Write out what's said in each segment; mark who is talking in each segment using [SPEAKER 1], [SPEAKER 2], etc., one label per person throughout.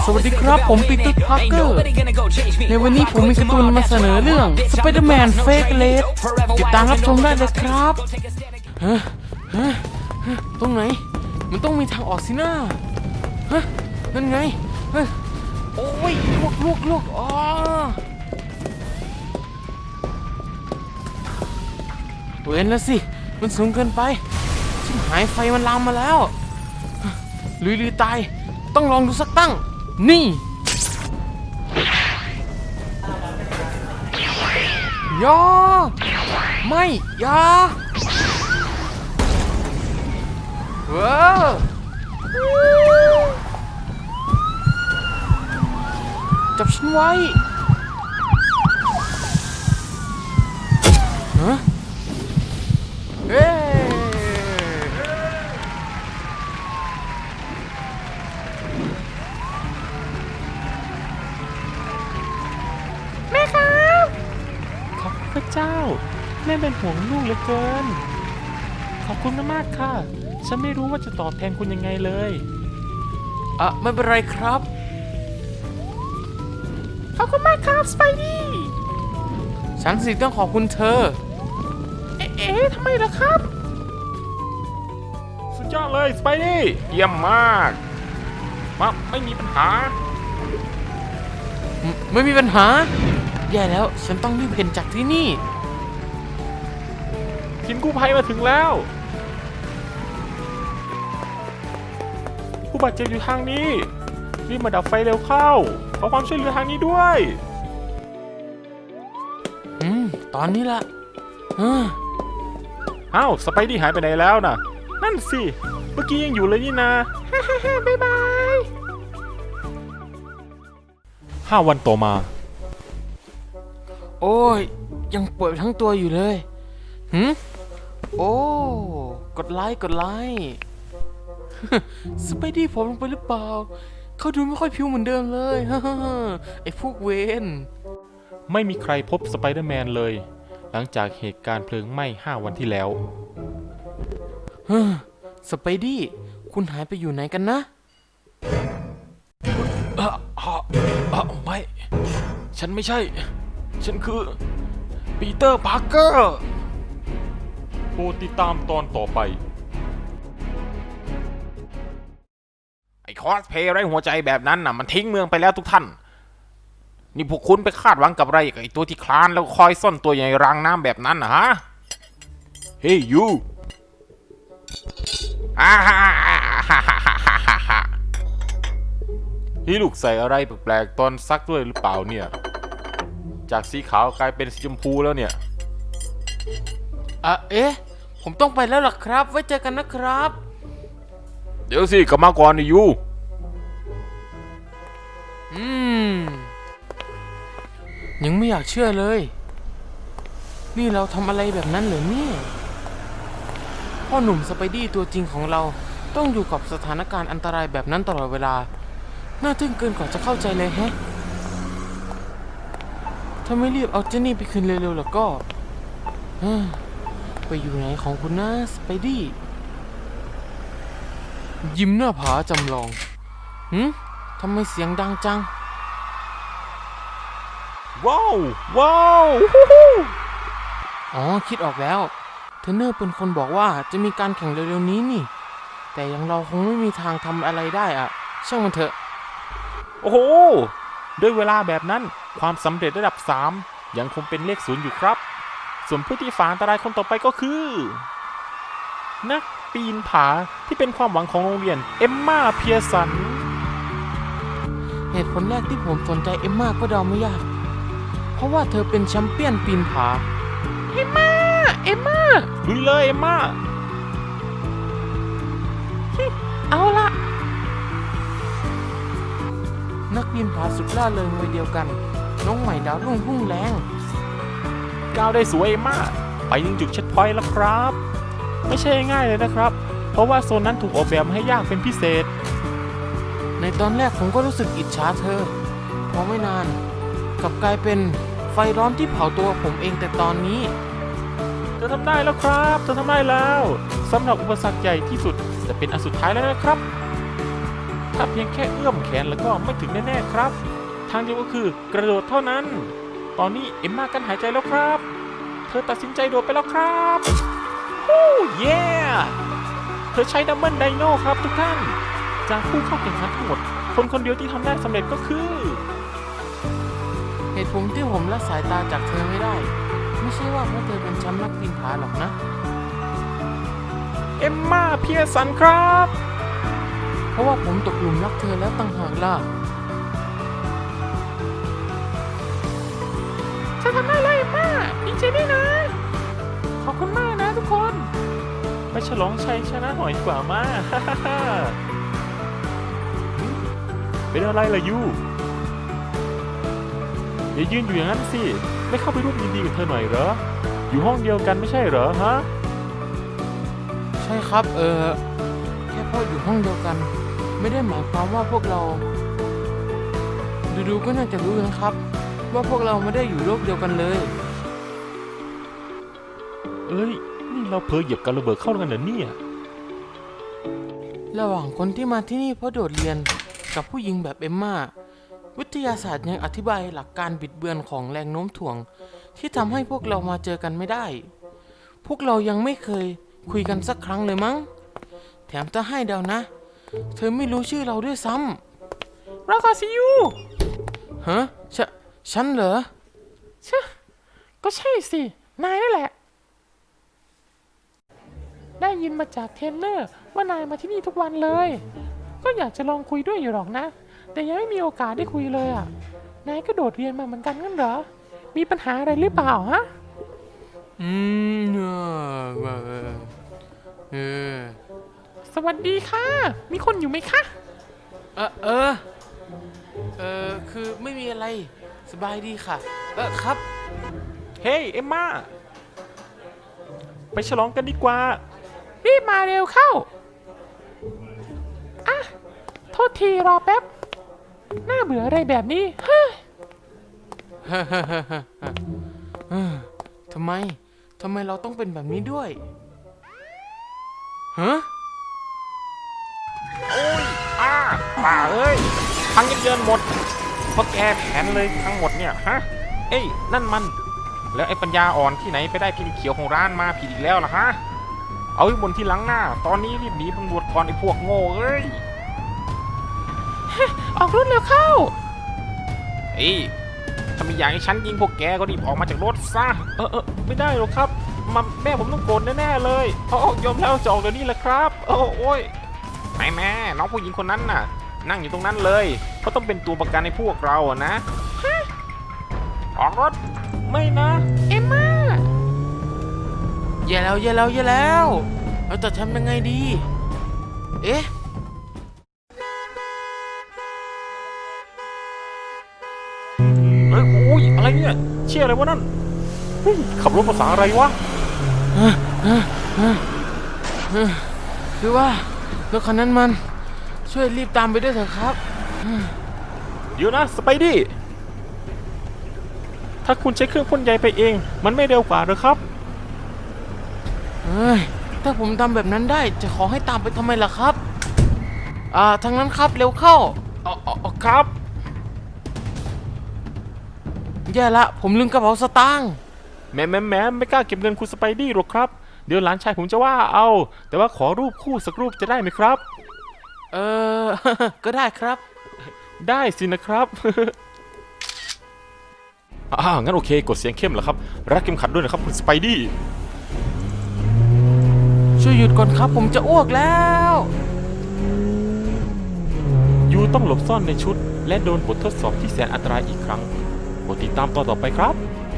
[SPEAKER 1] สวัสดีครับผมปีเตอร์พาร์เกอร์ในวันนี้ผมมีการ์ตูนมาเสนอเรื่อง Spider-Man Fake Red ติดตามรับชมได้เลยครับตรงไหนมันต้องมีทางออกสินะนั่นไงโอ้ยลวกอ๋อเว้นแล้วสิมันสูงเกินไปชิบหายไฟมันลามมาแล้วลุยตายต้องลองดูสักตั้งนี่ยาไม่ยาจับฉันไว้เฮ้แม่ครับขอบคุณพระเจ้าแม่เป็นห่วงลูกเหลือเกินขอบคุณมากค่ะฉันไม่รู้ว่าจะตอบแทนคุณยังไงเลยไม่เป็นไรครับขอบคุณมากครับสไปดี้ฉันสิต้องขอบคุณเธอทำไมล่ะครับสุดยอดเลยสไปดี้เยี่ยมมากไม่มีปัญหาไม่มีปัญหาแย่แล้วฉันต้องรีบเพ่นจากที่นี่ทีมกู้ภัยมาถึงแล้วผู้บาดเจ็บอยู่ทางนี้รีบมาดับไฟเร็วเข้าขอความช่วยเหลือทางนี้ด้วยตอนนี้ละอ้าวสไปดี้หายไปไหนแล้วนะนั่นสิเมื่อกี้ยังอยู่เลยนี่นะบ๊ายบาย5 วันต่อมาโอ้ยยังปวดทั้งตัวอยู่เลยโอ้กดไลค์สไปดี้ผมลงไปหรือเปล่าเขาดูไม่ค่อยผิวเหมือนเดิมเลยไอ้พวกเวนไม่มีใครพบสไปเดอร์แมนเลยหลังจากเหตุการณ์เพลิงไหม้5 วันที่แล้วสไปดี้คุณหายไปอยู่ไหนกันนะไม่ฉันไม่ใช่ฉันคือปีเตอร์พาร์เกอร์โปรดติดตามตอนต่อไปไอ้คอสเพย์ไร้หัวใจแบบนั้นน่ะมันทิ้งเมืองไปแล้วทุกท่านนี่พวกคุณไปคาดหวังกับอะไรกับไอ้ตัวที่คลานแล้วคอยซ่อนตัวอยู่ในรางน้ำแบบนั้นนะฮะเฮ้ยยูนี่ลูกใส่อะไรแปลกๆตอนซักด้วยหรือเปล่าเนี่ยจากสีขาวกลายเป็นสีชมพูแล้วเนี่ยผมต้องไปแล้วล่ะครับไว้เจอกันนะครับเดี๋ยวสิกลับมาก่อนนี่ยูยังไม่อยากเชื่อเลยนี่เราทำอะไรแบบนั้นเหรอเนี่ยพ่อหนุ่มสไปดี้ตัวจริงของเราต้องอยู่กับสถานการณ์อันตรายแบบนั้นตลอดเวลาน่าทึ่งเกินกว่าจะเข้าใจเลยแฮะถ้าไม่รีบเอาเจนนี่ไปคืนเร็วๆแล้วก็ไปอยู่ไหนของคุณนะสไปดี้ยิ้มหน้าผาจำลองทำไมเสียงดังจังว้าวอ๋อคิดออกแล้วเทรนเนอร์เป็นคนบอกว่าจะมีการแข่งเร็วๆนี้นี่แต่ยังเราคงไม่มีทางทำอะไรได้อะช่างมันเถอะโอ้โหด้วยเวลาแบบนั้นความสำเร็จระดับ3ยังคงเป็นเลข0อยู่ครับส่วนผู้ที่ฝ่าอันตรายคนต่อไปก็คือนักปีนผาที่เป็นความหวังของโรงเรียนเอมม่าเพียร์สันเหตุผลแรกที่ผมสนใจเอมม่าก็เดาไม่ยากเพราะว่าเธอเป็นแชมเปี้ยนปีนผาเอมม่าลุยเลยเอมม่าเอาละนักปีนผาสุดล่าเริงวัยเดียวกันน้องใหม่ดาวรุ่งพุ่งแรงก้าวได้สวยเอมม่าไปยังจุดเช็คพอยต์แล้วครับไม่ใช่ง่ายเลยนะครับเพราะว่าโซนนั้นถูกออกแบบให้ยากเป็นพิเศษในตอนแรกผมก็รู้สึกอิจฉาเธอพอไม่นานกลับกลายเป็นไฟร้อนที่เผาตัวผมเองแต่ตอนนี้เธอทำได้แล้วครับเธอทำได้แล้วสำหรับอุปสรรคใหญ่ที่สุดจะเป็นอันสุดท้ายแล้วนะครับถ้าเพียงแค่เอื้อม
[SPEAKER 2] แขนแล้วก็ไม่ถึงแน่ๆครับทางเดียวก็คือกระโดดเท่านั้นตอนนี้เอ็มมากันหายใจแล้วครับเธอตัดสินใจโดดไปแล้วครับโอ้เย่เธอใช้ดับเบิลไดโนครับทุกท่านจากผู้เข้าแข่งขันทั้งหมดคนเดียวที่ทำได้สำเร็จก็คือ
[SPEAKER 1] เหตุผลที่ผมละสายตาจากเธอไม่ได้ ไม่ใช่ว่าเพราะเธอเป็นแชมป์นักปีนผาหรอกนะ
[SPEAKER 2] เอ็มมาเพียสันครับ
[SPEAKER 1] เพราะว่าผมตกหลุมรักเธอแล้วต่างหากล่ะ
[SPEAKER 2] ฉันทำได้เลยเอ็มมาดีใจด้วยนะขอบคุณมากนะทุกคนไปฉลองชัยชนะหน่อยดีกว่ามา เป็นอะไรล่ะยูอย่ายืนอยู่อย่างนั้นสิไม่เข้าไปร่วมยินดีกับเธอหน่อยเหรออยู่ห้องเดียวกันไม่ใช่เหรอฮะ
[SPEAKER 1] ใช่ครับแค่พ่ออยู่ห้องเดียวกัน ไม่ได้หมายความว่าพวกเราดูๆก็น่าจะรู้นะครับ ว่าพวกเราไม่ได้อยู่โลกเดียวกันเลย
[SPEAKER 2] เอ้ยนี่เราเผลอเหยียบกับระเบิดเข้ากันเหรอเนี่ย
[SPEAKER 1] ระหว่างคนที่มาที่นี่เพราะโดดเรียนกับผู้หญิงแบบเอมม่าวิทยาศาสตร์ยังอธิบายหลักการบิดเบือนของแรงโน้มถ่วงที่ทำให้พวกเรามาเจอกันไม่ได้ พวกเรายังไม่เคยคุยกันสักครั้งเลยมั้งแถมจะให้เดานะ เธอไม่รู้ชื่อเราด้วยซ้ำเราก็ซิยูฮะฉันเหรอก็ใช่สินายนั่นแหละได้ยินมาจากเทรนเนอร์ว่านายมาที่นี่ทุกวันเลยก็อยากจะลองคุยด้วยอยู่หรอกนะแต่ยังไม่มีโอกาสได้คุยเลยอ่ะนายก็โดดเรียนมาเหมือนกันงั้นเหรอมีปัญหาอะไรหรือเปล่าฮะสวัสดีค่ะมีคนอยู่ไหมคะคือไม่มีอะไรสบายดีค่ะครับ
[SPEAKER 2] เฮ้ยเอ็มมาไปฉลองกันดีกว่า
[SPEAKER 1] รีบมาเร็วเข้าโทษทีรอแป๊บน่าเบื่ออะไรแบบนี้เฮ้ยทำไมเราต้องเป็นแบบนี้ด้วยฮะ
[SPEAKER 2] โอ้ยป่าเอ้ยพังยับเยินหมดเพราะแกแผนเลยทั้งหมดเนี่ยฮะเอ้ยนั่นมันแล้วไอ้ปัญญาอ่อนที่ไหนไปได้พิมพ์เขียวของร้านมาผิดอีกแล้วล่ะฮะเอาไว้บนที่หลังหน้าตอนนี้รีบหนีตำรวจก่อนไอ้พวกโง่เอ้ย
[SPEAKER 1] ออกรถเร็วเข้า
[SPEAKER 2] เอ้ยถ้ามีอย่างให้ฉันยิงพวกแกก็รีบออกมาจากรถซะไม่ได้หรอกครับแม่ผมต้องโกรธแน่ๆเลยยอมแล้วจะออกเดี๋ยวนี้แหละครับโอ้ยแม่น้องผู้หญิงคนนั้นน่ะนั่งอยู่ตรงนั้นเลยเขาต้องเป็นตัวประกันในพวกเราอะนะออกรถไม่นะ
[SPEAKER 1] เอ็มม่าอย่าแล้วเราจะทำยังไงดีเอ๊ะ
[SPEAKER 2] โอ้ยอะไรเนี่ยเชี่ยอะไรวะนั่นเฮ้ยขับรถภาษาอะไรวะ
[SPEAKER 1] คือว่ารถคันนั้นมันช่วยรีบตามไปด้วยเถอะครับ
[SPEAKER 2] เดี๋ยวนะสไปดี้ถ้าคุณใช้เครื่องพ่นใยไปเองมันไม่เร็วกว่าหรือครับ
[SPEAKER 1] ถ้าผมทำแบบนั้นได้จะขอให้ตามไปทำไมล่ะครับทางนั้นครับเร็วเข้า
[SPEAKER 2] ครับ
[SPEAKER 1] แย่ละผมลืมกระเป๋าสตางค์
[SPEAKER 2] แม่ไม่กล้าเก็บเงินคุณสไปดี้หรอกครับเดี๋ยวหลานชายผมจะว่าเอาแต่ว่าขอรูปคู่สักรูปจะได้ไหมครับ
[SPEAKER 1] ก็ได้ครับ
[SPEAKER 2] ได้สินะครับ งั้นโอเคกดเสียงเข้มเหรอครับรัดเข็มขัดด้วยนะครับคุณสไปดี้
[SPEAKER 1] ช่วยหยุดก่อนครับผมจะอ้วกแล้ว
[SPEAKER 2] ยูต้องหลบซ่อนในชุดและโดนบททดสอบที่แสนอันตรายอีกครั้งโปรดติดตามตอนต่อไปครับ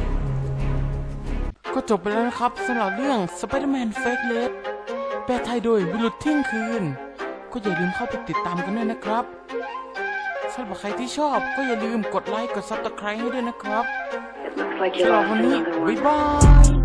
[SPEAKER 1] ก็จบไปแล้วนะครับสำหรับเรื่อง Spider-Man Fake Red แปลไทยโดยวิรุธเที่ยงคืนก็อย่าลืมเข้าไปติดตามกันด้วยนะครับสำหรับใครที่ชอบก็อย่าลืมกดไลค์กด Subscribe ให้ด้วยนะครับสำหรับวันนี้บ๊ายบาย